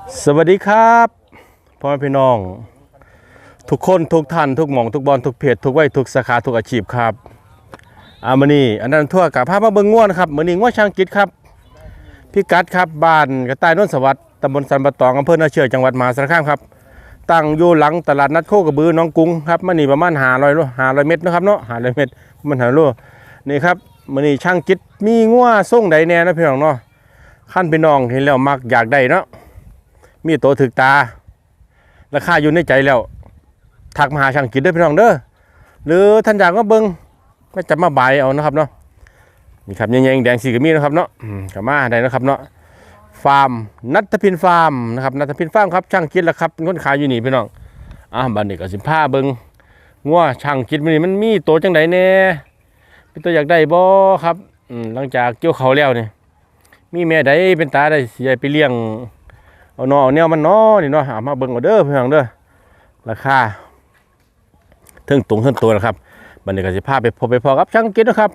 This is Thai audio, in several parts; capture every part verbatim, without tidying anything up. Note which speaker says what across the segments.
Speaker 1: สวัสดีครับพ่อแม่พี่น้องทุกคนทุกท่านทุกหม่องทุกบอลทุกเพจทุกวัยทุกสาขาทุกอาชีพครับอามานี่อันนั้นทั่วกับภาพมาเบิ้งง่วนครับมือนี้ง่วช่างกิจครับพี่กัดครับบ้านกระต่ายนนท์สวัสดิ์ตำบลสันปะตองอำเภอนาเชือกจังหวัดมหาสารคามครับตั้งอยู่หลังตลาดนัดโคกระบือน้องกุ้งครับมานี่ประมาณห้าร้อยโลห้าร้อยเมตรนะครับเนาะห้าร้อยเมตรมันหาโลนี่ครับมือนี้ช่างกิจมีง่วส่งใดแน่นะพี่น้องเนาะขั้นพี่น้องเห็นแล้วมักอยากได้เนาะมีโตถึกตาราคาอยู่ในใจแล้วทักมาหาช่างกิจด้วยพี่น้องเด้อหรือท่านอยากมาเบิ้งก็จะมาบายเอานะครับเนาะนี่ครับแยงๆแดงสีก็มีนะครับเนาะกับมาได้นะครับเนาะฟาร์มนัทพินฟาร์มนะครับนัทพินฟาร์มครับช่างกิจแล้วครับคนขายอยู่นี่พี่น้องอ่ะบัดนี้ก็สิพาเบิ้งงัวช่างกิจมันนี่มันมีโตจังไดแน่พี่ตัวอยากได้บ่ครับหลังจากเกี่ยวเขาแล้วนี่มีแม่ใดเป็นตาได้สิไปเลี้ยงเอาเนาะเอาแนวมันเนาะนี่เนาะเอามาเบิ่งเอาเด้อพี่น้องเด้อราคาเทิงตรงเทิงตัวนะครับบัดนี้ก็สิพาไปพบไปพอกับช่างกิจนะครับ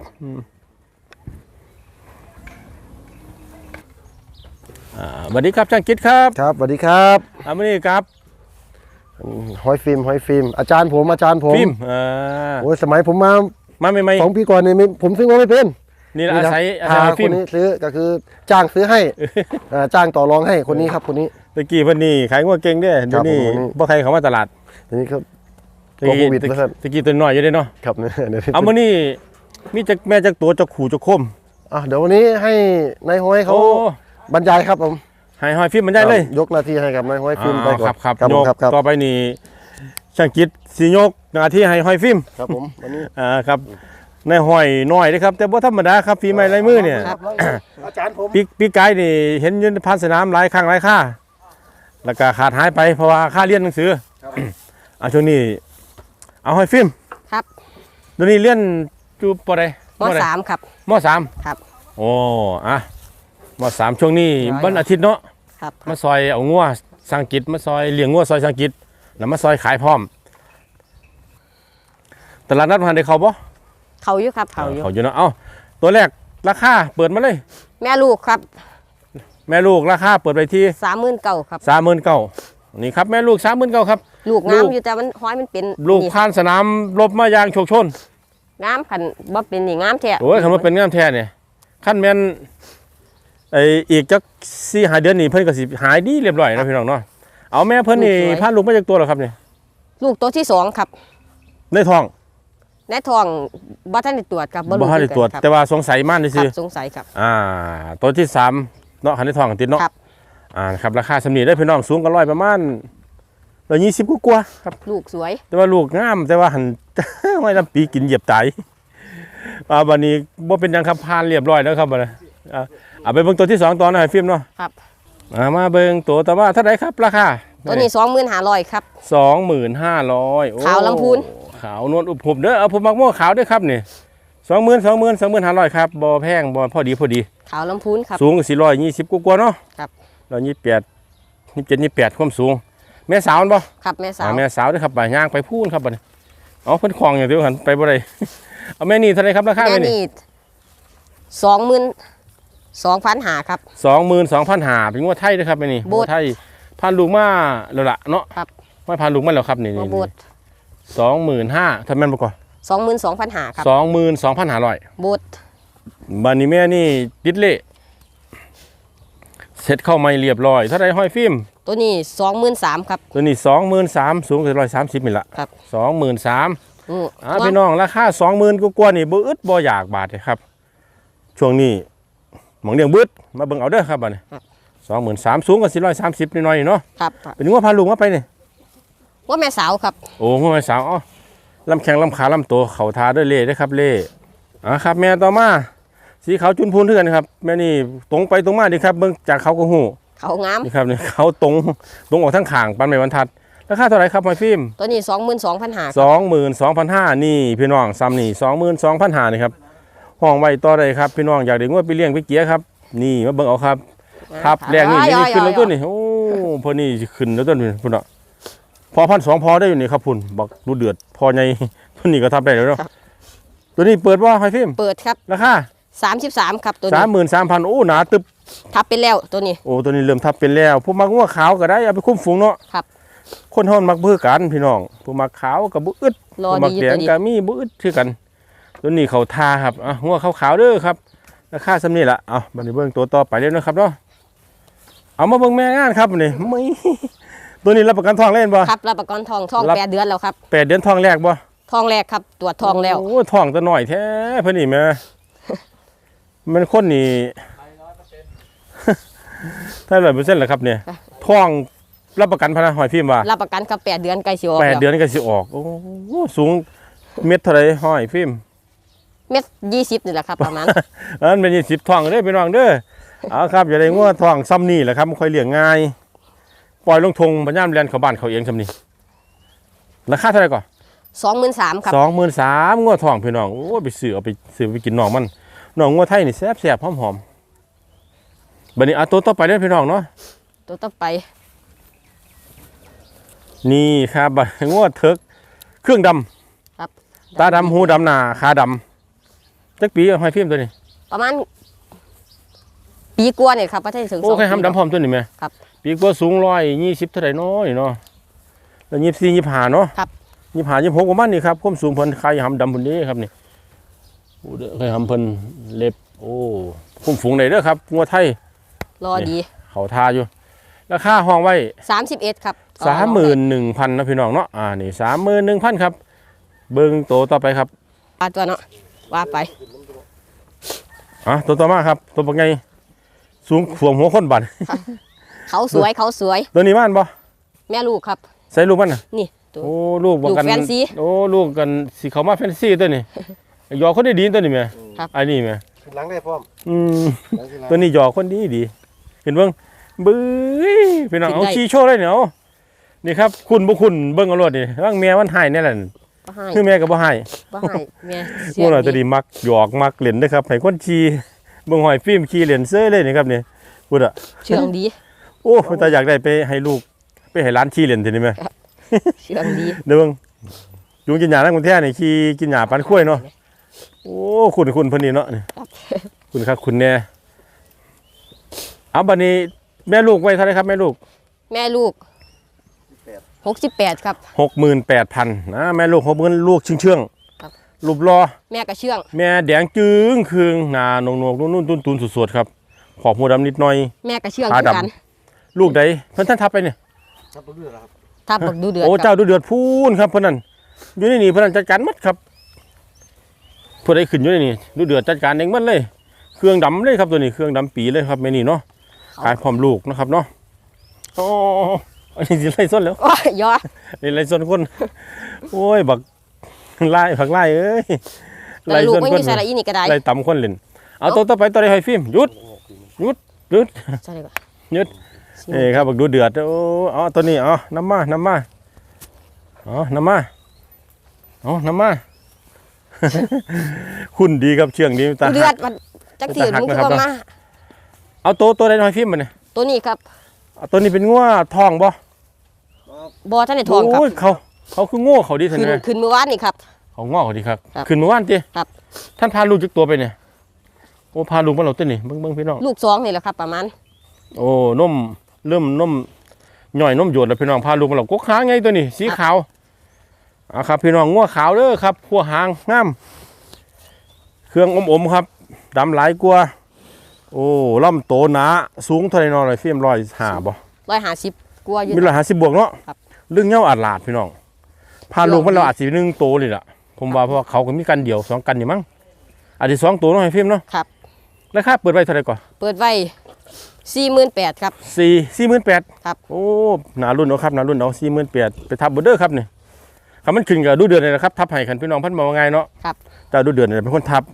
Speaker 1: อ่าสวัสดีครับช่างกิจครับ
Speaker 2: ครับสวัสดีครับ
Speaker 1: อ่ามื้อนี้ครับ
Speaker 2: หอยฟิล์มหอยฟิล์มอาจารย์ผมอาจารย์ผม
Speaker 1: ฟิล์มอ่า
Speaker 2: โอ้ยสมัยผมมา
Speaker 1: มาใหม่ๆ
Speaker 2: สองปีก่อนนี่ผมซื้อมาไม่เป็น
Speaker 1: นี่อาศัยอาศัย
Speaker 2: ฟิล์มคนนี้ซื้อก็คือจ้างซื้อให้จ้างต่อรองให้คนนี้ครับคนนี้
Speaker 1: ตะกี้เพิ่นนี่ขายงัวเก่งเด้อเดี๋ยวนี้บ่ใครเข้ามาตลาด
Speaker 2: ทีนี้ครับ
Speaker 1: ตะกี้ตะกี้ตัวน้อยอยู่เด้เนาะ
Speaker 2: ครับ
Speaker 1: เอามื้อนี้มีจักแม่จักตัวจักขู่จักคม
Speaker 2: อ่ะเดี๋ยววันนี้ให้นายห้อยเขาบรรยายครับผม
Speaker 1: ให้หอยฟิล์มบรรยายเลย
Speaker 2: ยกหน้าที่ให้กับนายห้อยฟิล์มไปก่อน
Speaker 1: ครับครับยกต่อไปนี่ช่างกิจสิยกหน้าที่ให้หอยฟิล์ม
Speaker 2: ครับผมวันนี้
Speaker 1: อ่าครับในหอยน้อยนะครับแต่บ่ธรรมดาครับฝีไม้ลายมือเนี่ย
Speaker 2: อาจารย์ผม
Speaker 1: ปีปีกายนี่เห็นยืนพันสนามหลายครั้งหลายค่าแล้วก็ขาดหายไปเพราะว่าค่าเรียนหนังสืออ่าช่วงนี้เอาหอยฟิล์ม
Speaker 3: ครับ
Speaker 1: เดี๋ยวนี้เรียนจูปอใด
Speaker 3: มสามครับ
Speaker 1: มสาม
Speaker 3: ครับ
Speaker 1: โอ้อะมสามช่วงนี้วันอาทิตย์เนาะ
Speaker 3: ครับ
Speaker 1: มาซอยเอางัวสังกิจมาซอยเลี้ยงงัวซอยสังกิจแล้วมาซอยขายพร้อมตลาดนัดพันได้เขาบ่
Speaker 3: เขาอยู่ครับเขาอยู่
Speaker 1: เขาอยู่เนาะเอ้าตัวแรกราคาเปิดมาเลย
Speaker 3: แม่ลูกครับ
Speaker 1: แม่ลูกราคาเปิดไปที่
Speaker 3: สามหมื่นเก้าครับ
Speaker 1: สามหมื่นเก้านี่ครับแม่ลูกสามหมื่นเก้าครับ
Speaker 3: ลูกงามอยู่แต่มันห้อยมันเป็น
Speaker 1: ลูกผ่านสนามรบมายางโชกชน
Speaker 3: งามขันบ่เป็นนี่งามแท้
Speaker 1: โอ้ยคำว่าเป็นงามแท้เนี่ยขั้นแม่นไออีกจักสี่หาเดือนนี่เพิ่นก็สิหายดีเรียบร้อยนะพี่น้องเนาะเอาแม่เพิ่นนี่ผ่านลูกมาจากตัวหรอครับเนี่ย
Speaker 3: ลูกตัวที่สองครับ
Speaker 1: ในท้อง
Speaker 3: ในท้องบ่ทันได้ตรวจครับ
Speaker 1: บ่ทันได้ตรวจแต่ว่าสงสัยมากนี่สิ
Speaker 3: สงสัยครับ
Speaker 1: อ่าตัวที่สามเนาะคันในท้องติดเนาะ
Speaker 3: ครับ
Speaker 1: อ่าครับราคาสำนีได้พี่น้องสูงกันร้อยประมาณร้อยยี่สิบกว่าครับ
Speaker 3: ลูกสวย
Speaker 1: แต่ว่าลูกงามแต่ว่าหันไว้ลำปีกินเหยียบตายอ่าวันนี้บ่เป็นยังครับผ่านเรียบร้อยแล้วครับบัดนี้อ่าเอาไปเบิ่งตัวที่สองต่อหน่อยฟิล์มเนาะ
Speaker 3: ครับ
Speaker 1: อ่ามาเบิ่งตัวแต่ว่าเท่าไหร่ครับราคา
Speaker 3: ตัวนี้ สองหมื่นห้าร้อย ครับ
Speaker 1: สองหมื่นห้าร้อย
Speaker 3: ขาวลำพูน
Speaker 1: ขาวนวลอุบผมเด้อเอาผมมักม่วงขาวด้วยครับนี่สองหมื่นสองหมื่นสองหมื่นห้าร้อยครับบ่แพงบ่พอดีพอดี
Speaker 3: ขาวลำพูนครับ
Speaker 1: สูงสี่ร้อยยี่สิบกว่าเนาะ
Speaker 3: ครับ
Speaker 1: ร้อยยี่สิบแปดยี่สิบเจ็ดยี่สิบแปดความสูงแม่สาวบ่
Speaker 3: ครับแม่สาว
Speaker 1: แม่สาวด้วยครับไปย่างไปพูนครับบัดนี้เอาเพิ่นคลองอย่างเดียวหันไปบ่ได้เอาแม่นี่เท่าไหร่ครับราคาแม่นี่
Speaker 3: สองหมื่นสองพันห้าครับ
Speaker 1: สองหมื่นสองพันห้าเป็นงวดไทยด้วยครับแม่นี่งวดไทยพานลูกมาแล้วล่ะเนาะ
Speaker 3: ครับ
Speaker 1: ไม่พานลูกมาแล้วครับนี่นี่สองหมื่นห้าทำแม่นบ่ก่อน
Speaker 3: สองหมื่นสองพันห้าครับ
Speaker 1: สองหมื่นสองพันห้าร้อย
Speaker 3: บด
Speaker 1: บัดนี้แม่นี่ติดเละเสร็จเข้าไม่เรียบร้อยเท่าไรห้อยฟิล์ม
Speaker 3: ตัวนี้สองหมื่นสามครับ
Speaker 1: ตัวนี้สองหมื่นสามสูงถึงร้อยสามสิบมิลละ
Speaker 3: ครับ
Speaker 1: สองหมื่นสาม
Speaker 3: อ่า
Speaker 1: พี่น้องราคาสองหมื่นกว่านี่บ่อึดบ่อยากบาทเลยครับช่วงนี้หมองเลี้ยงบึดมาเบิ่งเอาเด้อครับบัดนี้สองหมื่นสามสูงกว่าสี่ร้อยสามสิบนิดหน่อยเนาะ
Speaker 3: ครับ
Speaker 1: เป็นว่าพาลุงมาไปนี่
Speaker 3: ว่าแม่สาวครับ
Speaker 1: โอ้ว่าแม่สาวอ๋อลำแข้งลำขาลำตัวเข่าทาด้วยเล่ด้วยครับเล่อ่าครับแม่ต่อมาสีขาวจุนพูนเถื่อนครับแม่นี่ตรงไปตรงมาดีครับเบิ่งจากเขาก็หู
Speaker 3: เขางาม
Speaker 1: นี่ครับนี่เขาตรงตรงออกทั้งข่างปันไม่บรรทัดราคาเท่าไหร่ครับหอยฟิล์ม
Speaker 3: ตัวนี้สองหมื่นสองพันห้า
Speaker 1: สองหมื่นสองพันห้านี่พี่น้องซ้ำนี่สองหมื่นสองพันห้านี่ครับห้องไว้ต่อได้ครับพี่น้องอยากได้งวดไปเลี้ยงไปเกี้ยครับนี่มาเบิ่งเอาครับครับแรงนี่นี่ขึ้นแล้วต้นนี่โอ้พอนี่ขึ้นแล้วต้นนี่พุ่นอ่ะพอพันสองพอได้อยู่นี่ครับพุ่นบอกรู้เดือดพอไงพุ่นนี่ก็ทับได้แล้วเนาะตัวนี้เปิดว่าหอยฟิล์ม
Speaker 3: เปิดครับ
Speaker 1: ราคา
Speaker 3: สามสิบสามครับตัว
Speaker 1: สา
Speaker 3: นี้
Speaker 1: มหมื่นสามพันโอ้หนาตึบ
Speaker 3: ทับเป็นแล้วตัวนี้
Speaker 1: โอ้ตัวนี้เริ่มทับเป็นแล้วผู้มักงัวขาวก็ได้เอาไปคุ้มฝูงเนาะ
Speaker 3: ครับ
Speaker 1: คนเฮามักเบื่อกันพี่น้องผู้มักขาวกับบุอึด
Speaker 3: รอ
Speaker 1: ผู้มัก
Speaker 3: ดี
Speaker 1: แด
Speaker 3: ตัว
Speaker 1: ง
Speaker 3: นี้
Speaker 1: ก็มีบุอึดคือกันตัวนี้เขาทาครับอ่ะงัวขาวๆเด้อครับราคาสำนี้ล่ะเอาบัดนี้เบิ่งตัวต่อไปเด้อนะครับเนาะเอามาเบิ่งแม่งานครับนี่ไม่ ตัวนี้รับประกันทองเล่นบ่
Speaker 3: ครับรับประกันทองทอง
Speaker 1: รับ
Speaker 3: แปดเดือนแล้วครับ
Speaker 1: แปดเดือนทองแรกบ่
Speaker 3: ทองแรกครับตรวจทองแล้ว
Speaker 1: โอ้ทองตัวหน่อยแท้เพิ่นนี่แม่ มันคนนี่ ถ้าร้อยเปอร์เซ็นต์เหรอครับเนี่ยทองรับประกันพนักหอยพิมพ์ว่า
Speaker 3: รับประกันครับแปดเดือนไกลสิออก
Speaker 1: แปด
Speaker 3: แล้ว
Speaker 1: เดือนก็สิออกโอ้โหสูงเม็ดเท่าไหรหอยพิมพ์
Speaker 3: เม็ดยี่สิบนี่แหละครับประมาณ
Speaker 1: อันนั้นเป็นยี่สิบทองเด้อพี่น้องเด้อเอาครับอย่าได้งัวทองซ้ำนี่แหละครับมันค่อยเลี้ยงง่ายปล่อยลงทงปัญญามแลนเขาบ้านเขาเองซ้ำนี่ราคาเท่าไหร่ก่อน
Speaker 3: สองหมื่นสามครับ
Speaker 1: สองหมื่นสามงัวทองพี่น้องโอ้ไปซื้อเอาไปซื้อไปกินน้องมันน้องงัวไทยนี่แซ่บแซ่บหอมหอมๆบัดนี้เอาตัวต่อไปเด้อพี่น้องเนาะ
Speaker 3: ตัวต่อไป
Speaker 1: นี่ครับบัดงัวเถิกเครื่องดำ
Speaker 3: ครับ
Speaker 1: ตาดำหูดำหนาขาดำจักปีเอาให้ฟิล์มตัวนี้
Speaker 3: ประมาณปีกว่าเนี่ยครับประเทศถึง
Speaker 1: โอ้
Speaker 3: สอง
Speaker 1: ใคร
Speaker 3: ปี
Speaker 1: ทำดำพร้อมตัวนี้ไหม
Speaker 3: ครับ
Speaker 1: ปีกว่าสูงร้อยยี่สิบเท่าไหร่น้อยเนาะแล้วยี่สิบสี่ยี่สิบห้าเนาะ
Speaker 3: ครับ
Speaker 1: ยี่สิบห้ายี่สิบหกประมาณนี้ครับความสูงเพิ่นใครทำดำเพิ่นนี้ครับนี่โอ้เด้อใครทำเพิ่นเล็บโอ้คุ้มฝูงไหนเด้อครับงัวไทย
Speaker 3: รอดี
Speaker 1: เขาทาอยู่ราคาห้องไว้
Speaker 3: สามสิบเอ็ดครับ
Speaker 1: สามหมื่นหนึ่งพันนะพี่น้องเนาะอ่านี่สามหมื่นหนึ่งพันครับเบิ้งโตต่อไปครับ
Speaker 3: ปลาตัวเนาะว่าไป
Speaker 1: อ่ะตัวต่อมาครับตัวปักไงสูงขวมหัวคนบัน
Speaker 3: เขาสวยเขาสวย
Speaker 1: ตัวนี้บ้านบ่
Speaker 3: แม่ลูกครับ
Speaker 1: ใส่ลูกมันน่ะ
Speaker 3: นี่ตัว
Speaker 1: โอ้ลูกบักกัน
Speaker 3: ลูกแฟนซี
Speaker 1: โอ้ลูกกันสีเขามาแฟนซีตัวนี้หยอกคนได้ดีตัวนี้แม่
Speaker 3: ครับ
Speaker 1: อันนี้แม่
Speaker 2: ขึ้นหลังได้พร้อม
Speaker 1: อืม
Speaker 2: หลังขึ้นหลัง
Speaker 1: ตัวนี้หยอกคนดีดีเห็นเบิ่งบื้อพี่น้องเอาชี้โชว์เลยเนี่ยเอานี่ครับคุณบ่คุณเบิ่งเอารถนี่ร่างแม่มันหายแน่แหละ
Speaker 3: บ่ให้
Speaker 1: คือแม่ก็บ่หาย
Speaker 3: บ่ให้แม่เสี
Speaker 1: พวกเราจะ
Speaker 3: ดี
Speaker 1: ดีมักหยอกมักเล่นเด้อครับให้คนขี่เบิ่งหอยฟิล์มขี่เล่นเซ้ยเลยนี่ครับนี่พูดอ่ะ
Speaker 3: เชื่องดี
Speaker 1: โอ้แต่อยากได้ไปให้ลูกไปให้ร้านขี่เล่นทีนี้ไหม
Speaker 3: เชื่องดี
Speaker 1: เดี๋ยวเบิ่งยุงกินหญ้าทั้งคนแท้นี่ขี่กินหญ้าปันข้วยเนาะโอ้คุณคุณเพิ่นนี่เนาะนี่คุณครับคุณแน่เอาบัดนี้แม่ลูกไว้เท่าไหร่ครับแม่ลูก
Speaker 3: แม่ลูกหกสิบแปดครับ
Speaker 1: หกหมื่นแปดพันนะแม่ลูกหกหมื่นลูกเชื่องเชื่องๆ
Speaker 3: ครับ
Speaker 1: รูปรอ
Speaker 3: แม่ก็เชื่อง
Speaker 1: แม่แดงจึงคืองหน้าหนวกๆนุ่นๆตุนๆสดๆครับขอบหัวดำนิดหน่อย
Speaker 3: แม่ก็เชื่อง
Speaker 1: ขา
Speaker 3: คือ
Speaker 1: ดำ
Speaker 3: กัน
Speaker 1: ลูกใดเพิ่นท่านทับไปเนี่ย
Speaker 2: ครับตัวเลือดครับ
Speaker 3: ถ้าบอกดูเดือด
Speaker 1: โอ้
Speaker 3: ครั
Speaker 1: เจ้า
Speaker 3: บ
Speaker 1: ดูเดือดพูนครับเพิ่นนั่นอยู่ในนี่เพิ่นนั่นจัดการหมดครับผู้ใดขึ้นอยู่ในนี่ดูเดือดจัดการเองหมดเลย เครื่องดำเลยครับตัวนี้เครื่องดำปีเลยครับแม่นี่เนาะขายพร้อมลูกนะครับเนาะโอ้อันนี้สิไล่ส้นแล้ว
Speaker 3: โอ้ยยอ
Speaker 1: นี่ไล่ส้นคนโอ้ยบักไล่ผักไล่เอ้ย
Speaker 3: แต่ลูกไม่มีสาระอีนี่ก็ได้
Speaker 1: ไล่ต่ำคนเล่นเอาตัวต่อไปตัวใดให้ฟิล์มหยุดหยุดหยุด
Speaker 3: ใช่เลยก่อน
Speaker 1: หยุด นี่ครับบักดูเดือดโอ้เอาตัวนี้เอาน้ำมาน้ำมาเอาน้ำมาเอาน้ำมา คุณดีครับเชื่องดีตา
Speaker 3: ดูเดือ
Speaker 1: หั
Speaker 3: ด
Speaker 1: ก
Speaker 3: มันจักถือ
Speaker 1: หัก
Speaker 3: มึงคือ
Speaker 1: นะครับ
Speaker 3: ว่ามา
Speaker 1: เอาตัวตัวใดหน่อยฟิล์มมันเนี่ย
Speaker 3: ตัวนี้ครับ
Speaker 1: เอาตัวนี้เป็นงัวทองบ่
Speaker 3: บอท่านในทองครับ
Speaker 1: โยเขาเขาคือโง่เขาดีทัน
Speaker 3: ขึ้น
Speaker 1: ไหม
Speaker 3: ขึ้นเมื่อวานนี่ครับ
Speaker 1: เขาง้อเขาดีครับ
Speaker 3: ครับ
Speaker 1: ขึ้นเมื่อวานจี
Speaker 3: ครับ
Speaker 1: ท่านพาลูกจักตัวไปเนี่ยโอ้พาลูกมาเราตัวนี่เบิ้งเบิ้งพี่น้อง
Speaker 3: ลูกสองนี่แหละครับ ประมาณ
Speaker 1: โอ้นมเริ่มนมหน่อยนมหยดแล้วพี่น้องพาลูกมาเรากกหางไงตัวนี้สีขาวอ่ะครับพี่น้องงัวขาวเด้อครับพัวหางงามเครื่องอมๆครับดำหลายกว่าโอ้ลำโตหนาสูงเท่าไรนอนเลยฟิล์มร้อยห้าบ่
Speaker 3: ร้อยห้าสิบกลัวอยู่
Speaker 1: มีร้อยห้าสิบบวกเนาะ
Speaker 3: ครับ
Speaker 1: เรื่องเงาอาดลาดพี่น้องพาลูกมันเราอาจสิหนึ่งโตเลยล่ะผมว่าเพราะว่าเขาก็มีกันเดียวสองกันนี่มั้งอาจจะสองตัวเนาะให้ฟิล์มเนาะ
Speaker 3: ครับ
Speaker 1: ราคาเปิดไว้เท่าไหร่ก่อน
Speaker 3: เปิดไว้สี่หมื่นแปดครับ
Speaker 1: สี่สี่หมื่นแปด
Speaker 3: ครับ
Speaker 1: โอ้หนารุ่นเอาครับหนารุ่นเอาสี่หมื่นแปดไปทับเบอร์เดอร์ครับนี่คำมันขึ้นกับดูเดือนเลยนะครับทับให้ขันพี่น้องพันมาว่าไงเนาะ
Speaker 3: ครับ
Speaker 1: แต่ดูเดือนเนี่ยเป็นคนทับ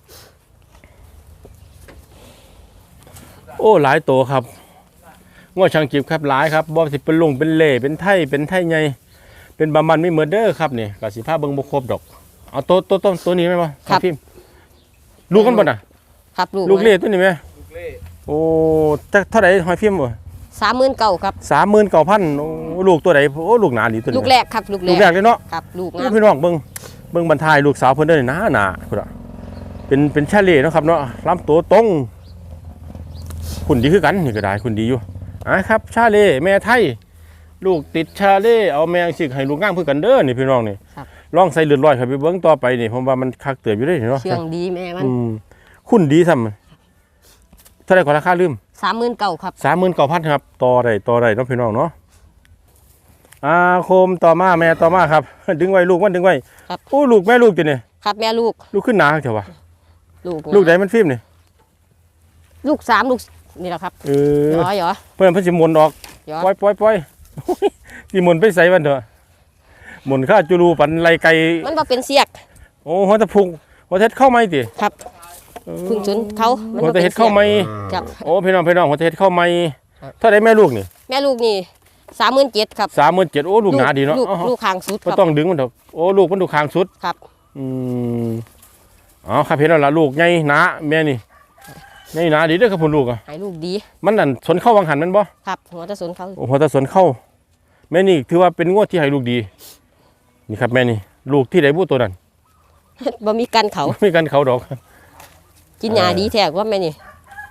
Speaker 1: โอ้หลายตัวครับง้อช่างจีบครับหลายครับบอสิเป็นลุงเป็นเล่เป็นไทยเป็นไทยไงเป็นบามันไม่เหมือนเด้อครับนี่กับสีผ้าเบิ้งบุครบดอกเอาตัวตัวตัวตัวนี้ไหมวะ
Speaker 3: ครับ
Speaker 1: พิมพ์ลูกกันบ่น่ะ
Speaker 3: ครับลูก
Speaker 1: ลูกเล่ตัวนี้ไหมโอ้จักเท่าไหร่หอยพิมพ์บ่
Speaker 3: สามหมื่นเก้าครับ
Speaker 1: สามหมื่นเก้าพันโอ้ลูกตัวไหนโอ้ลูกหนาดีตัวนี้
Speaker 3: ลูกแรกครับลูกแร
Speaker 1: ลู
Speaker 3: ก
Speaker 1: กแรกเลยเนาะ
Speaker 3: ครับลูก
Speaker 1: โอ้
Speaker 3: งาม
Speaker 1: พี่น้องเบิ้งเบิ้งบรรทายลูกสาวเพิ่นเด้อหนาหนาพุ่นอ่ะเป็นเป็นชาเล่เนาะครับเนาะลำตัวตรงคุณดีคือกันนี่ก็ได้คุณดีอยู่อ่ะครับชาเล่แม่ไทยลูกติดชาเล่เอาแมงสิให้ลูกง่ามเพื่อกันเด้อนี่พี่น้องนี่ลองใส่เลือดลอยครับไปเบิ้งต่อไปนี่ผมว่ามันคักเตือบอยู่ได้เนาะ
Speaker 3: เชื่องดีแม่มัน
Speaker 1: อืมคุณดีซ้ำเท่าไหร่ก็ราคาลืม
Speaker 3: สามหมื่นเก้าครับ
Speaker 1: สามหมื่นเก้าพันครับต่อได้ต่อได้เนาะพี่น้องเนาะอาโคมต่อมาแม่ต่อมาครับ ดึงไว้ลูกมันดึงไว้โอ้ลูกแม่ลูกตัวนี่
Speaker 3: ครับแม่ลูก
Speaker 1: ลูกขึ้นหนาเถอะวะ
Speaker 3: ลูก
Speaker 1: ลูกไหนมันฟิล์มนี่
Speaker 3: ลูกสามลูกนี่แหละครับ
Speaker 1: เออ
Speaker 3: หยอหยอ
Speaker 1: เพื่อนเพิ่นสิหมุนออก
Speaker 3: หยอ
Speaker 1: ปล่อยปล่อยปล่อย สิหมุนไปใส่มันเถอะหมุนข้าจุลูปันไรไก่
Speaker 3: มันบ่เป็นเสียก
Speaker 1: โอ้หัวตะพุงหัวเท็ดเข้าไหมติ
Speaker 3: ครับพึ่งชนเขามัน
Speaker 1: หัว
Speaker 3: บ่
Speaker 1: ตะ
Speaker 3: ป็น
Speaker 1: เฮ็ดเข้าไหม
Speaker 3: ครับ
Speaker 1: โอ้พี่น้องพี่น้องหัวตะเฮ็ดเข้าไหมเท่าไหร่แม่ลูกนี่
Speaker 3: แม่ลูกนี่สามหมื่นเจ็ดครับ
Speaker 1: สามหมื่นเจ็ดโอ้ลูกหนาดีเนาะ
Speaker 3: ลูก
Speaker 1: อ๋อ
Speaker 3: ลูกคางสุดค
Speaker 1: ก็
Speaker 3: รับ
Speaker 1: ต้องดึงมันเถอะโอ้ลูกมันดูคางสุด
Speaker 3: ครับ
Speaker 1: อืมอ๋อครับเห็นแล้วล่ะลูกใหญ่หนาแม่นี่ใหญ่หนาดีเด้อครับคุณลูกอ่ะ
Speaker 3: ให้ลูกดี
Speaker 1: มันนั่นสนเข้าวังหันแมันบ่
Speaker 3: ครับหัวตะสนเขา
Speaker 1: โอ้พอตาสนเข้าแม่นี่ถือว่าเป็นงวดที่ให้ลูกดีนี่ครับแม่นี่ลูกที่ไหนบู้ตัวนั้น
Speaker 3: บ่มีกันเขา
Speaker 1: ไม่กันเขาดอก
Speaker 3: กินยาดีแท้กว่าแม่นี่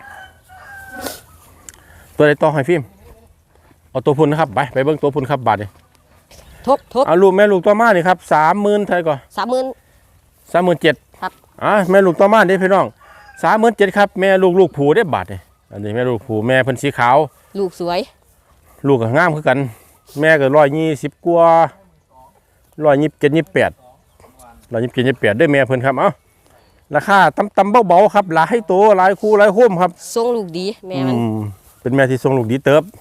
Speaker 1: ตัวไหนต่อให้ฟิล์มเอาตัวพุ่นนะครับไปไปเบิ่งตัวพุ่นครับบาทนี่
Speaker 3: ทบทบ
Speaker 1: เอาลูกแม่ลูกตัวมานี่ครับสามหมื่นไทยก่อน
Speaker 3: สามหมื่น
Speaker 1: สามหมื่นเจ็ด
Speaker 3: ครับ
Speaker 1: อ่ะแม่ลูกตัวมาเด้พี่น้องสามหมื่นเจ็ดครับแม่ลูกลูกผูได้บาทนี่อันนี้แม่ลูกผูแม่เพิ่นสีขาว
Speaker 3: ลูกสวย
Speaker 1: ลูกก็งามคือกัน แม่ก็ร้อยยี่สิบกว่าร้อยยี่สิบเจ็ดยี่สิบแปดร้อยยี่สิบเจ็ดยี่สิบแปดด้วยแม่เพิ่นครับเอ้าราคาต่ำต่ำเบาๆครับหลายตัวหลายคู่หลายโค้มครับ
Speaker 3: ทรงลูกดีแม่มัน
Speaker 1: อืมเป็นแม่ที่ทรงลูกดีเติบ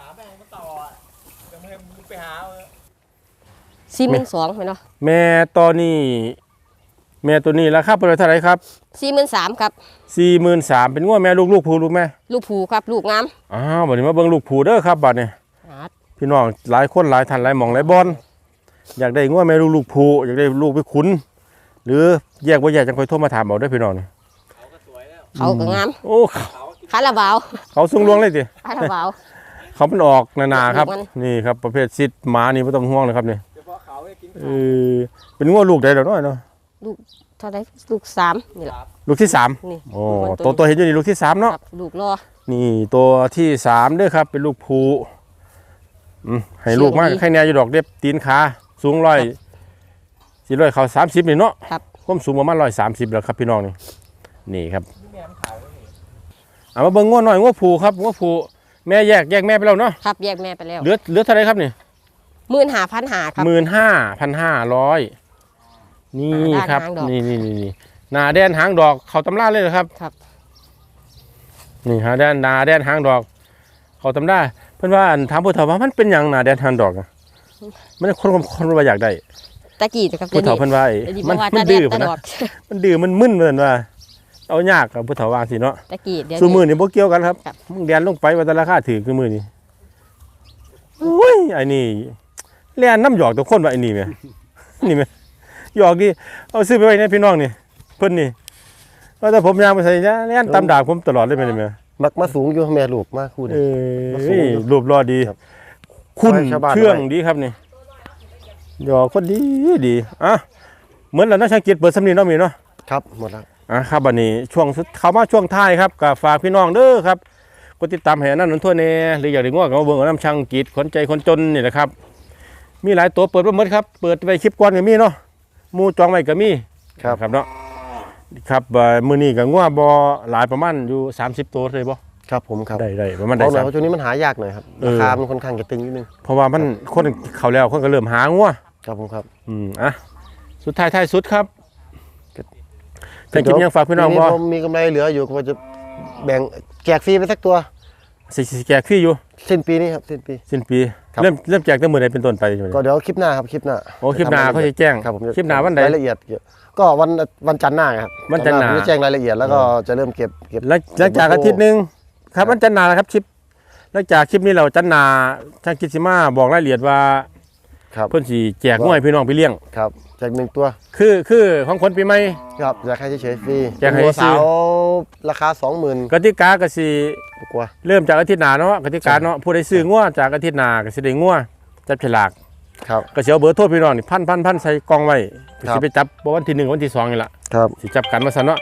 Speaker 3: สี่หมื่นสองไหมเนาะ
Speaker 1: แม่ตอนนี้ แม่ตัวนี้ราคาเปิดไว้เท่าไหร่ครับ
Speaker 3: สี่หมื่นสามครับ
Speaker 1: สี่หมื่นสามเป็นง้วแม่ลูกลูกผูลูกแม่
Speaker 3: ลูกผูครับลูกงาม
Speaker 1: อ้าวบัดนี้มาเบิ่งลูกผูเด้อครับบัดนี้
Speaker 3: อาด
Speaker 1: พี่น้องหลายคนหลายท่านหลายหม่องหลายบอลอยากได้ง้วแม่ลูกลูกผูอยากได้ลูกไปขุน หรือแยกบ่แยกจังค่อยโทรมาถามเอาเด้อพี่น้องนี่
Speaker 3: เขาก็งาม
Speaker 1: โอ้เขา
Speaker 3: คาราบาว
Speaker 1: เขาสูงลวงเลยติ
Speaker 3: คาราบาว
Speaker 1: เขาเป็นออกหนาๆครับ
Speaker 3: ลูกมัน
Speaker 1: นี่ครับประเภทซิดหมานี่ไม่ต้องห่วงเลยครับนี่เออเป็นง้วลูกใดเดี๋ยวน้อยเนาะ
Speaker 3: ลูกเท่าไรลูกสามนี่แหละ
Speaker 1: ลูกที่สาม
Speaker 3: นี่
Speaker 1: โอ้
Speaker 3: มัน
Speaker 1: ตัวตัวเห็นอยู่นี่ลูกที่สาม
Speaker 3: ค
Speaker 1: เนาะ
Speaker 3: รับลูกรอ
Speaker 1: นี่ตัวที่สามเด้อครับ เป็นลูกผูอืมให้ลูกมาก
Speaker 3: เสียงดี
Speaker 1: แค่แนวอยู่ดอกเด็บตีนขาสูงร้อยสี่ร้อยเขาสามสิบนี่เนาะ
Speaker 3: ครับ
Speaker 1: ความสูงประมาณร้อยสามสิบแล้วครับพี่น้องนี่นี่ครับเอามาเบิ่งง้วหน่อยง้วผูครับง้วผูแม่แยกแยกแม่ไปแล้วเนาะ
Speaker 3: ครับแยกแม่ไปแล้ว
Speaker 1: เหลือเหลือเท่าไรครับนี่
Speaker 3: หมื่นห้าพันหาครับ
Speaker 1: หมื่นห้าพันห้าร้อยนี่
Speaker 3: หน้า
Speaker 1: ครับ
Speaker 3: หางดอก
Speaker 1: นี่นี่นี่นี่หนาแดนหางดอกเขาตำราเลยเหรอครับ
Speaker 3: ครับ
Speaker 1: นี่หาแดนหนาแดนหางดอก เขาตำราเพื่อนว่าอันถามผู้เฒ่าว่ามันเป็นหยังหนาแดนหางดอกอะมันคนคนคนว่าอยากได้
Speaker 3: ตะกี้นะครับ
Speaker 1: ผู้เฒ่าเพื่อนว่าไอ้
Speaker 3: เดี๋ยวนี้
Speaker 1: มั
Speaker 3: บ่
Speaker 1: น
Speaker 3: ว่า
Speaker 1: มั
Speaker 3: ตาน แด
Speaker 1: ดื้
Speaker 3: ด
Speaker 1: อ
Speaker 3: ตา
Speaker 1: พุ่น
Speaker 3: ด
Speaker 1: นะ
Speaker 3: อก
Speaker 1: มันดื้อมันมึนเหมือนว่าเอายากกับผู้เฒ่าว่าสิเนาะ
Speaker 3: ตะกี้เดี๋ยว
Speaker 1: ซูมือ
Speaker 3: นี้
Speaker 1: นี่บ่เกี่ยวกันครับ
Speaker 3: ครับ
Speaker 1: มึงแดนลงไปว่าแต่ราคาถือคือมือนี่โอ้ยไอ้นี่เลียนน้ำหยอกตัวคนว่าไอ้นี่แม่ นี่แม่หยอกดิเอาซื้อไปไว้ในพี่น้องนี่เพิ่นนี่ว่าแต่ผมยางไปใส่เนี่ยเลียนตามดากผมตลอดเลยแม่นี่แม่
Speaker 2: มักมาสูงอยู่แม่ลูกมากคู่
Speaker 1: เอ
Speaker 2: นี่
Speaker 1: อรูปรอดี
Speaker 2: ครับ
Speaker 1: คุณ
Speaker 2: ให้ชาวบ้าน
Speaker 1: เชื่อง
Speaker 2: ไว้
Speaker 1: ดีครับนี่หยอกคนดีดีอ่ะเหมือนเรานักช่างกิจเปิดสำนีเนาะมีเนาะ
Speaker 2: ครับหมดแล้ว
Speaker 1: อ่ะครับบัดนี้ช่วงสุดเข้ามาช่วงท้ายครับก็ฝากพี่น้องเด้อครับกดติดตามให้อันนั่นนั่นทั่วแน่หรืออยากได้ง้อกับมาเบิ่งเอาน้ำช่างกิจขนใจคนจนนี่แหละครับ มีหลายตัวเปิดมาหมดครับเปิดไปคลิปก่อนก็มีเนาะหมูจองไว้ก็มี
Speaker 2: ครับ
Speaker 1: ครับเนาะครับเอ่อมื้อนี้ก็ง้อบ่หลายประมาณอยู่สามสิบตัวเลยบ่
Speaker 2: ครับผมครับ
Speaker 1: ได้ได้ประมาณ
Speaker 2: เพ
Speaker 1: ได้
Speaker 2: ราะหน่
Speaker 1: สา
Speaker 2: อย
Speaker 1: ม
Speaker 2: เพราะช่วงนี้มันหายากหน่อยครับ
Speaker 1: เออ
Speaker 2: ราคามันค่อนข้างจะตึงนิดนึง
Speaker 1: เพราะว่ามันคนเขาแล้วคนก็เริ่มหาง้อ
Speaker 2: ครับผมครับ
Speaker 1: อืมอ่ะสุดท้ายท้ายสุดครับจะกินยังฝากพี่น้อง
Speaker 2: ปี
Speaker 1: บ่
Speaker 2: ผมมีกำไรเหลืออยู่ก็จะแบ่งแจกฟรีไปสักตัว
Speaker 1: สิสิแจกฟรีอยู่
Speaker 2: สิ้นปีนี้ครับสิ้นปี
Speaker 1: สิ้นปี
Speaker 2: ครับ
Speaker 1: เริ่มเริ่มแจกตั้งมื้อใดเป็นต้นไปใช่ไหม
Speaker 2: ก็เดี๋ยวคลิปหน้าครับคลิปหน้า
Speaker 1: โอ้คลิปหน้าเขาจะแจ้ง
Speaker 2: ครับผมจะ
Speaker 1: คลิปหน้าวันใด
Speaker 2: รายละเอียดเกี่ยวก็วันวันจันทร์หน้าครับ
Speaker 1: วันจันทร์หน้า
Speaker 2: ผมจะแจ้งรายละเอียดแล้วก็จะเริ่มเก็บเก็บ
Speaker 1: หลังหลังจากอาทิตย์หนึงครับวันจันทร์หน้านะครับคลิปหลังจากคลิปนี้เราจันทร์หน้าช่างกิจสิมาบอกรายละเอียดว่า
Speaker 2: ครับ
Speaker 1: เพิ่นสิแจกงวยพี่น้องไปเลี้ยง
Speaker 2: ครับแจกหนึ่งตัว
Speaker 1: คือคือของคนปีใหม่
Speaker 2: ครับอยากให้เฉยๆฟรี
Speaker 1: อยากให้
Speaker 2: ตัว
Speaker 1: ซื้
Speaker 2: สา
Speaker 1: อ
Speaker 2: วราคาสองหมื่น
Speaker 1: กติกาก็สิ
Speaker 2: กว่า
Speaker 1: เริ่มจากอาทิตย์หน้าเนาะกติกาเนาะผู้ใดซื้องวจากอาทิตย์หน้าก็สิได้งวจับฉลาก
Speaker 2: ครับ
Speaker 1: ก็สิเอาเบอร์โทรพี่น้องนี่พันพันพันใส่กล่องไว้
Speaker 2: ครับ
Speaker 1: สิไปจับบ่วันที่หนึ่งวันที่สองนี่ล่ะ
Speaker 2: ครับ
Speaker 1: สิจับกันมาซะเนาะ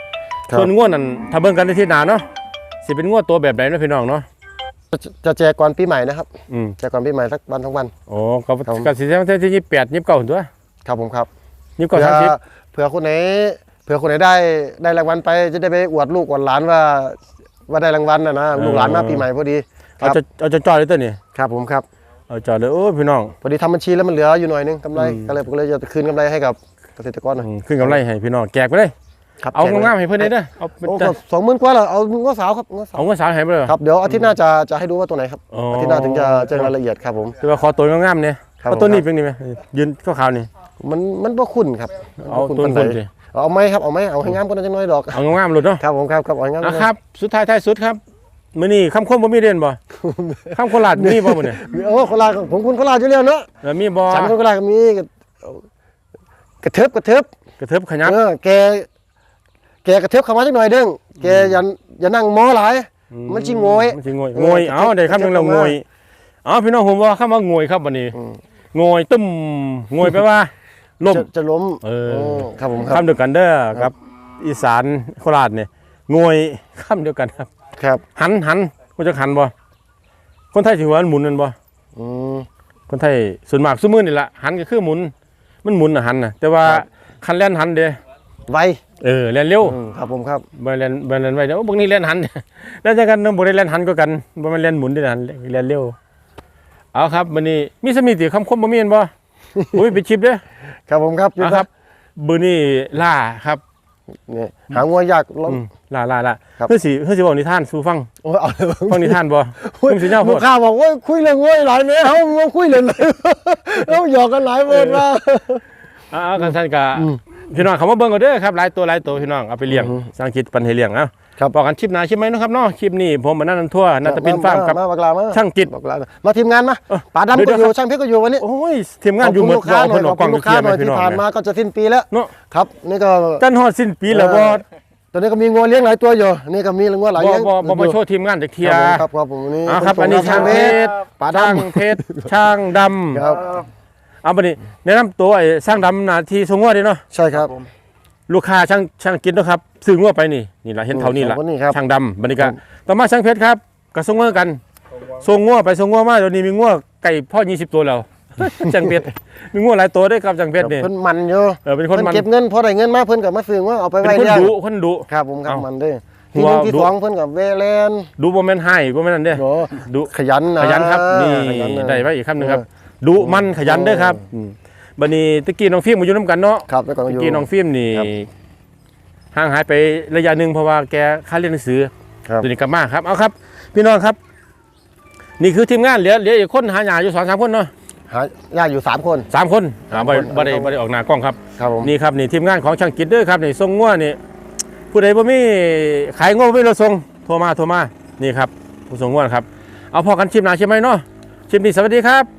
Speaker 2: ครับ
Speaker 1: ส่วนงวดนั่นถ้าเบิ่งกันในที่หนาเนาะสิเป็นงวดตัวแบบไหนเนาะพี่น้องเนาะ
Speaker 2: จะจะแจกก่อนปีใหม่นะครับ
Speaker 1: อืม
Speaker 2: แจกก่อนปีใหม่สักวันทั้งวัน
Speaker 1: โอ้ก็
Speaker 2: ครับผม
Speaker 1: ก็สิทั้งที่ยี่สิบแปดยี่สิบเก้าตัว
Speaker 2: ครับผมครับ
Speaker 1: ยี่สิบเก้า
Speaker 2: เผื่อ
Speaker 1: สามสิบ
Speaker 2: เผื่อคนไหนเผื่อคนไหนได้ได้รางวัลไปจะได้ไปอวดลูกอวดหลานว่าว่าได้รางวัลนะนะลูกหลานมาปีใหม่พอดีค
Speaker 1: เอา
Speaker 2: รับ
Speaker 1: จะเอาจะจอดเลยตัวนี้
Speaker 2: ครับผมครับ
Speaker 1: เอาจอดเลยโอ้ยพี่น้อง
Speaker 2: พอดีทำบัญชีแล้วมันเหลืออยู่หน่อยนึงกำไร
Speaker 1: อืม
Speaker 2: ก็เลยผมก็เลยจะคืนกำไรให้กับเกษตรกรหน่อย
Speaker 1: อืมขึ้นกำไรให้พี่น้องแจกไปเลย
Speaker 2: ครับ
Speaker 1: เอา
Speaker 2: แจกลย
Speaker 1: งามๆให้เพื่อนได้เด้อเอาเป็น
Speaker 2: โอ้ก็สองหมื่นกว่าเหรอเอาง้อสาวครับง้อสาว
Speaker 1: เอาเงินสาวให้ไปเลย
Speaker 2: ครับเดี๋ยวอาทิตย์หน้าจะจะให้ดูว่าตัวไหนครับ
Speaker 1: อ๋ออ
Speaker 2: อาทิตย์หน้าถึงจะแจ้งรายละเอียดครับผม
Speaker 1: แต่ว่าขอตัวงามๆเนี่ย
Speaker 2: ครับ
Speaker 1: เอาตัวนี้เป็นนี่ไหมยืนขาวๆนี่
Speaker 2: มันมันบ่คุ้นครับ
Speaker 1: เอา
Speaker 2: บ่
Speaker 1: ตัว
Speaker 2: ปาน
Speaker 1: คุ
Speaker 2: ใด
Speaker 1: ณสิ
Speaker 2: เอาไหมครับเอาไหมเอาให้งามกว่านั้นจังน้อยดอก
Speaker 1: เอางามๆหลุดเนาะ
Speaker 2: ครับผมครับครับเอาให้งามก
Speaker 1: อ่ะ
Speaker 2: ว่านั้น
Speaker 1: ครับสุดท้ายท้ายสุดครับมื้อนี้คำคมบ่มีเด่นบ่ คำโคราชมีบ่มื้อนี้
Speaker 2: โอ้โคราชผมคุณโคราชอยู่แล้วเนาะ
Speaker 1: แล้วมีบ่
Speaker 2: ฉันคนโคราชก็มีกระเทิบกระเทิบ
Speaker 1: กระเทิบขยับ
Speaker 2: เออแกแกกระเทิบเข้ามาจักหน่อยเด้งแกอย่าอย่านั่งมอหลาย มันสิโงย
Speaker 1: มันสิโงย
Speaker 2: เออ
Speaker 1: โงยเอาได้คำหนึงแล้ว
Speaker 2: กระเทิบ
Speaker 1: โงยเอาพี่น้องผมว่าคำว่าโงยครับบัดนี้
Speaker 2: อืม
Speaker 1: โงยตึ้มโงยแปลว่าล่ม
Speaker 2: จะจะล้ม
Speaker 1: เออ
Speaker 2: โครับผมครับ
Speaker 1: คำเดียวกันเด้อกับอีสานโคราชเนี่ยโงยคำเดียวกันครับ
Speaker 2: ครับ
Speaker 1: หันหันกูจะหันบ่คนไทยถือว่ามันหมุนนั่นบ่
Speaker 2: อืม
Speaker 1: คนไทยส่วนมากซุมื้อนี่ล่ะหันก็คือหมุนมันหมุนน่ะหันน่ะแต่ว่า
Speaker 2: ครับ
Speaker 1: คันแล่นหันเด้
Speaker 2: ไว
Speaker 1: เออแล่นเร็ว
Speaker 2: อืมครับผมครับ
Speaker 1: บ่แล่นบ่แล่นไว้เด้อโอ้บางนี้แล่นหัน แล้วจังกันบ่ได้แล่นหันก็กันบ่แม่นแล่นหมุนเด้อหันแล่นเร็วเอาครับมื้อนี้มีสมิติคำคมบ่มีแม่นบ่ อุ้ยไปชิปเด้อ
Speaker 2: ครับผมครับ
Speaker 1: เอาครับมื้อนี้ล่าครับ
Speaker 2: นี่หางัวยากลอง
Speaker 1: อืมล่าล่าล่า
Speaker 2: ครับ
Speaker 1: เพื่อสิเพื่อสิเว้านิทานสู่ฟัง
Speaker 2: โอ้ยเอาเลย
Speaker 1: ฟังนิทานบ่
Speaker 2: โอ้ย
Speaker 1: มึงสิยาวโพ
Speaker 2: ลู
Speaker 1: ด
Speaker 2: กค้าบอกว่าคุยเรื่องงัวยหลายแม่เฮามาคุยเรื่อง เฮาหยอกกันหลายเบิดว่า
Speaker 1: อ่ากันท่านก็
Speaker 2: อืม
Speaker 1: พี่น้องเขามาเบิ่งกันเด้อครับหลายตัวหลายตัวพี่น้องเอาไปเลี้ยง
Speaker 2: อือฮึ
Speaker 1: สร้างคิดปันให้เลี้ยงเอ้า
Speaker 2: ครับ
Speaker 1: บอกกันคลิปหน้าคลิปไหมเนาะครับเนาะคลิปนี้ผมมานั่นทั่วน่าจะเป็นฟาร์มกับ
Speaker 2: มาบักลามา
Speaker 1: ช่างจิต
Speaker 2: บักลามาทีมงานมา
Speaker 1: เอ้า
Speaker 2: ป๋าดำ
Speaker 1: เดี๋
Speaker 2: ก็
Speaker 1: ยว
Speaker 2: อยู่
Speaker 1: ครับ
Speaker 2: ช่างเพชรก็อยู่วันนี้
Speaker 1: โอ้ยทีมงานอยู่หมด
Speaker 2: ขอบคุณลูกค้าหน่อย
Speaker 1: เพิ่น
Speaker 2: ข
Speaker 1: เอา
Speaker 2: อบ
Speaker 1: กล้
Speaker 2: คุ
Speaker 1: อง
Speaker 2: ณลูกค้าหน่อย
Speaker 1: ไปเคลียร์ให้พี่น้อง
Speaker 2: ที่ผ่านมาก็จะสิ้นปีแล้ว
Speaker 1: เนาะ
Speaker 2: ครับนี่ก็
Speaker 1: จันฮอดสิ้นปีแล้วบ่
Speaker 2: ตอนนี้ก็มีงัวเลี้ยงหลายตัวอยู่นี่ก็มีงัวหลาย
Speaker 1: บ่
Speaker 2: เลี้ยง
Speaker 1: บ่บ่มาโชว์ทีมงานจักเทีย
Speaker 2: ครับผมครับครับผมนี่
Speaker 1: อ่าครับ
Speaker 2: ผม
Speaker 1: อันนี้
Speaker 2: ส่
Speaker 1: ช่าง
Speaker 2: ง
Speaker 1: เพ
Speaker 2: ท
Speaker 1: ชร
Speaker 2: ป๋า
Speaker 1: ช่าง
Speaker 2: ดำ
Speaker 1: เพชรช่างดำ
Speaker 2: ครับ
Speaker 1: เอาบัดนี้แนะนำตัวไอ้ช่างดำหน้าที่ทรงงัวเด้เนาะ
Speaker 2: ใช่ครับ
Speaker 1: ลูกค้าช่างช่างกินเนาะครับซื้องัวไปนี่นี่ล่ะเห็นเท่านี้ล่ะ
Speaker 2: สองคนนี้ครับ
Speaker 1: ช่างดำบัดนี้ก็ต่อมาช่างเพชรครับก็ส่งงัวกันส่งงัวไปส่งงัวมาเดี๋ยวนี้มีงัวไก่พ่อยี่สิบตัวแล้ว ช่างเพชรมีงัวหลายตัวเด้อครับช่างเพชรนี่
Speaker 2: เพิ่นมันอยู่
Speaker 1: เออเป็นคน
Speaker 2: เพิ่น
Speaker 1: มัน
Speaker 2: เก็บเงินพอได้เงินมาเพิ่นก็มาซื้อว่าเอาไป
Speaker 1: เป็น
Speaker 2: ไว้
Speaker 1: คน
Speaker 2: เลี้ยง
Speaker 1: ดุคนดุ
Speaker 2: ครับผมครับ
Speaker 1: เอ้ามั
Speaker 2: มันเด้อ
Speaker 1: หั
Speaker 2: ที่
Speaker 1: ว
Speaker 2: หนึ่งที่
Speaker 1: ดุ
Speaker 2: สองเพิ่นกับเวเลน
Speaker 1: ดุบ่แม่นให้บ่แม่นนั่นเด้
Speaker 2: โอ้
Speaker 1: ดุ
Speaker 2: ขยันนะ
Speaker 1: ขยันครับนี่
Speaker 2: ขยัะ
Speaker 1: ได้ไว้อีกคำหนึงครับ
Speaker 2: เออ
Speaker 1: ดุมันขยันเด้อครับอืมบัดนี้ตะกี้น้องฟิล์มมาอยู่นํกันเนาะ
Speaker 2: ครับแล้วก็
Speaker 1: ตะ
Speaker 2: อยู่
Speaker 1: กี้น้องฟิล์มนี่
Speaker 2: ครับ
Speaker 1: ห่างหายไประยะหนึงเพราะว่าแกค่าเรียนหนังสือ
Speaker 2: ครับ
Speaker 1: ตัวนี้กลับมาครับเอาครับ พี่น้องครับ นี่คือทีมงานเหลือเหลืออีกคนหาหยาอยู่สองสามคนเนาะ
Speaker 2: หาญาติอยู่สามคน
Speaker 1: สามคนอ่าบ่ได้
Speaker 2: สามคน
Speaker 1: บ่ได้บ่ได้ออกหน้ากล้องครับ
Speaker 2: ครับผม
Speaker 1: นี่ครับนี่ทีมงานของช่างกิจเด้อครับนี่ส่งงัวนี่ผู้ใดบ่มีขายงัวบ่มีรถส่งโทรมาโทรมานี่ครับผู้ส่งงัวนะครับเอาพอกันชิมหน้าใช่ไหมเนาะชิมนี้สวัสดีครับ